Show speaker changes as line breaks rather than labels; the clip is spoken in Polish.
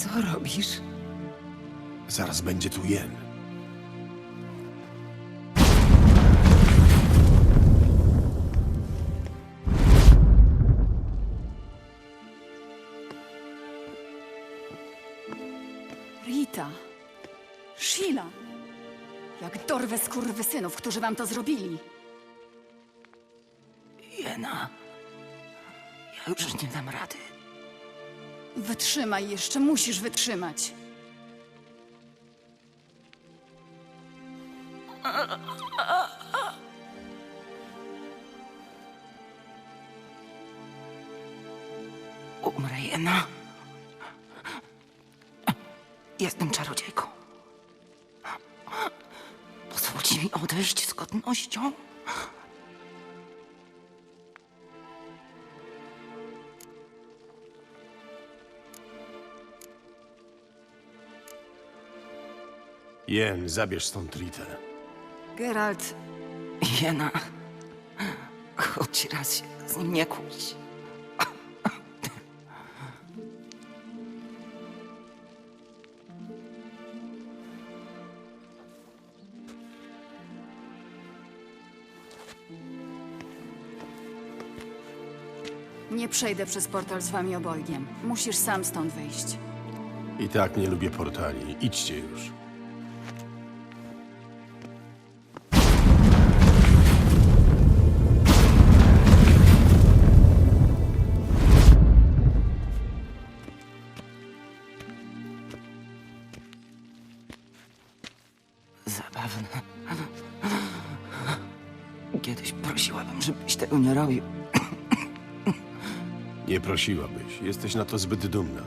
Co robisz?
Zaraz będzie tu Jen.
Rita. Sheila. Jak dorwę skurwysynów, którzy wam to zrobili.
Jena, ja już nie dam rady.
Wytrzymaj jeszcze, musisz wytrzymać.
Umrę, Jena. Jestem czarodziejką. Pozwólcie mi odejść z godnością.
Jen, zabierz stąd Ritę.
Geralt,
Jena, choć raz się z nim nie kłóć.
nie przejdę przez portal z wami obojgiem. Musisz sam stąd wyjść.
I tak nie lubię portali. Idźcie już.
Zabawne. Kiedyś prosiłabym, żebyś tego nie robił.
Nie prosiłabyś. Jesteś na to zbyt dumna.